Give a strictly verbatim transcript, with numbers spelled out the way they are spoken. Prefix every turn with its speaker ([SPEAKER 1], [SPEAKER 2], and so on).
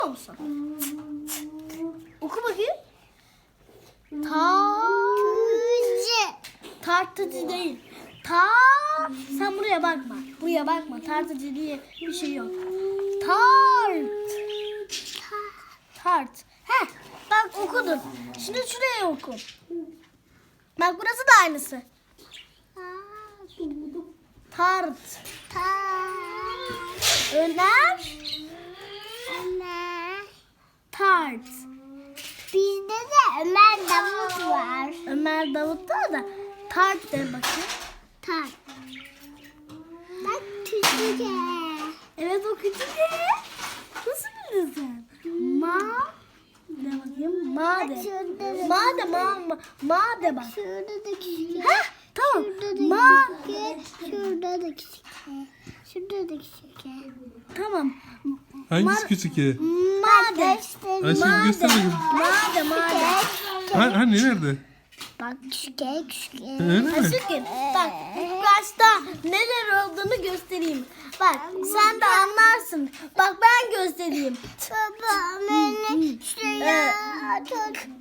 [SPEAKER 1] musun? Oku bakayım. Tartıcı. Tartıcı değil. Ta. Sen buraya bakma. Buraya bakma. Tartıcı diye bir şey yok. Tart. Tart. Heh. Bak okudun. Şimdi şuraya oku. Bak burası da aynısı. Tart. Öner.
[SPEAKER 2] Ömer.
[SPEAKER 1] Tart.
[SPEAKER 2] Bizde de Ömer Davut var.
[SPEAKER 1] Ömer Davut'ta da tart de bakayım.
[SPEAKER 2] Tak. Bak küçük.
[SPEAKER 1] Evet o küçük de. Nasıl bildin sen? Ma. De bakayım. Ma de.
[SPEAKER 2] Şurada da,
[SPEAKER 1] Ma de ma. Ma, ma de bak.
[SPEAKER 2] şurada da küçük.
[SPEAKER 1] Heh, tamam.
[SPEAKER 2] Şurada da
[SPEAKER 1] Ma.
[SPEAKER 2] küçük. Şurada da küçük. Şurada da küçük.
[SPEAKER 1] Tamam.
[SPEAKER 3] Hangisi küçük ki?
[SPEAKER 1] Ma de.
[SPEAKER 3] Ayşe
[SPEAKER 1] Ma
[SPEAKER 3] bir
[SPEAKER 1] de.
[SPEAKER 3] göster bakayım.
[SPEAKER 1] Ma de ma de.
[SPEAKER 3] Ha, hani nerede?
[SPEAKER 2] Bak küçük küçük.
[SPEAKER 3] Öyle mi?
[SPEAKER 1] Aşkım bak ilk başta neler olduğunu göstereyim. Bak sen de anlarsın. Bak ben göstereyim.
[SPEAKER 2] Baba beni şuraya tut.